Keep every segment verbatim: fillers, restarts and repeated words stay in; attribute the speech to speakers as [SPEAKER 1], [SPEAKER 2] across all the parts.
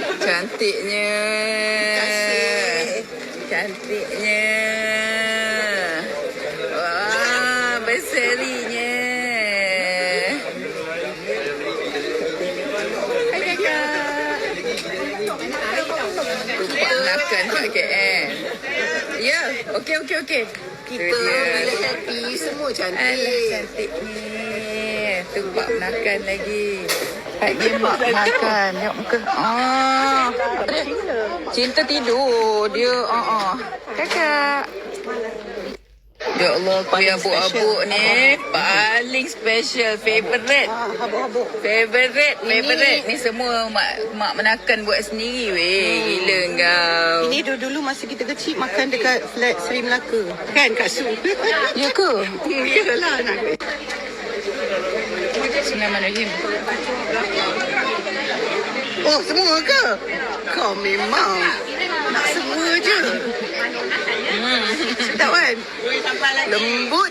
[SPEAKER 1] Cantiknya. Cantiknya. Wah, berserinya. Hai kakak. Tumpah makan kat K L. Ya, okey okey okey.
[SPEAKER 2] Kita bila happy semua cantik.
[SPEAKER 1] Alah, cantiknya. Tumpah makan lagi. Kak dia mak makan. Tengok muka. Oh. Cinta tidur. Dia. Oh, oh. Kakak. Ya Allah, kuih abuk-abuk ni paling special, favorite.
[SPEAKER 2] Ah, habuk-habuk.
[SPEAKER 1] Favorite, favorite. Ni semua mak mak menakan buat sendiri weh. Gila kau.
[SPEAKER 2] Ini dulu-dulu masa kita kecil makan dekat flat Seri Melaka. Kan Kak Su?
[SPEAKER 1] Ya ke?
[SPEAKER 2] Iyalah anak.
[SPEAKER 1] Bismillahirrahmanirrahim.
[SPEAKER 2] Oh, semua ke? Kau memang nak semua je.
[SPEAKER 1] Hmm.
[SPEAKER 2] Sedap kan? Lembut.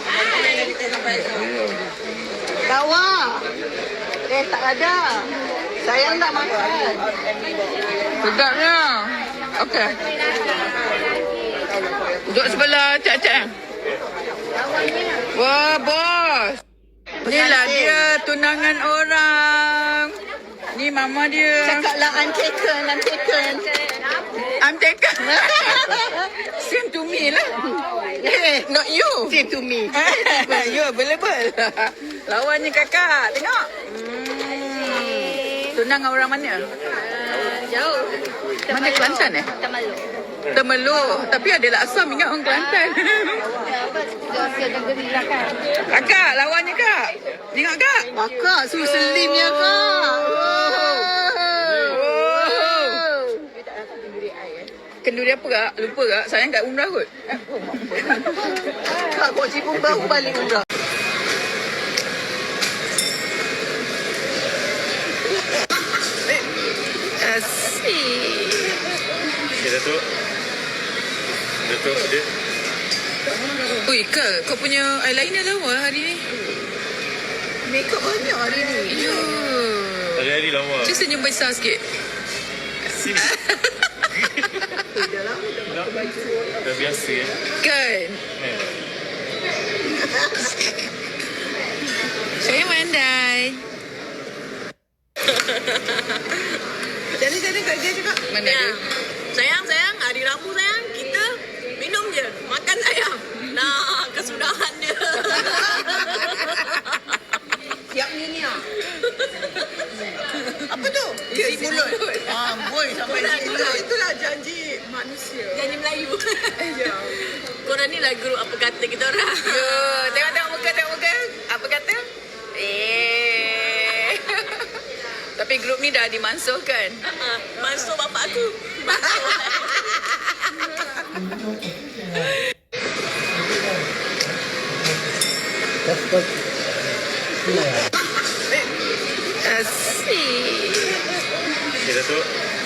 [SPEAKER 2] Tawa. Eh, tak ada. Sayang tak makan.
[SPEAKER 1] Sedapnya. Okey. Duduk sebelah cak-cak. Wah, bos. Inilah dia tunangan orang. Ni mama dia.
[SPEAKER 2] Cakaplah I'm taken, I'm taken.
[SPEAKER 1] I'm taken. Same to me lah.
[SPEAKER 2] Eh,
[SPEAKER 1] Not you.
[SPEAKER 2] same to me.
[SPEAKER 1] You available. Lawannya kakak. Tengok. Hmm. Tunang orang mana?
[SPEAKER 3] Jauh.
[SPEAKER 1] Mana Kelantan eh?
[SPEAKER 3] Temerloh.
[SPEAKER 1] Temerloh. Tapi ada Laksam ingat orang Kelantan.
[SPEAKER 3] Dosa negeri lah kan.
[SPEAKER 1] Kakak, lawannya kak. Tengok kak.
[SPEAKER 2] Kakak, su selimnya kak.
[SPEAKER 1] Oh. Kenduri apa kak? Lupa kak. Sayang kat umrah kot.
[SPEAKER 2] Kak, kau cipung baru balik umrah.
[SPEAKER 1] Asyik.
[SPEAKER 4] Okay, Datuk. Datuk, dia.
[SPEAKER 1] Ui kak, kau punya eyeliner lawa hari ni.
[SPEAKER 2] Makeup banyak hari ni.
[SPEAKER 1] Ya.
[SPEAKER 4] Hari-hari lawa.
[SPEAKER 1] Cik senyum besar sikit.
[SPEAKER 4] Sim. Dah biasa ya.
[SPEAKER 1] Kan?
[SPEAKER 4] Eh.
[SPEAKER 1] Saya mandai.
[SPEAKER 2] Jadi-jadi kat dia cakap.
[SPEAKER 1] Mana
[SPEAKER 3] Ya.
[SPEAKER 1] dia?
[SPEAKER 3] Sayang, sayang. Hari Rabu sayang. Kita minum je. Makan sayang. Nah, kesudahan dia.
[SPEAKER 2] Siap ni ni ah. Apa tu? Isi mulut. Ah, boy sampai isi mulut.
[SPEAKER 1] Itulah janji manusia.
[SPEAKER 3] Janji Melayu.
[SPEAKER 1] Ya.
[SPEAKER 3] Korang ni lah guru apa kata kita orang.
[SPEAKER 1] Ya, tengok-tengok muka, tengok muka. Apa kata? Eh. Tapi grup ni dah dimansuhkan.
[SPEAKER 3] Uh-uh. Masuk bapak aku.
[SPEAKER 1] Asyik.
[SPEAKER 4] Okay, Datuk.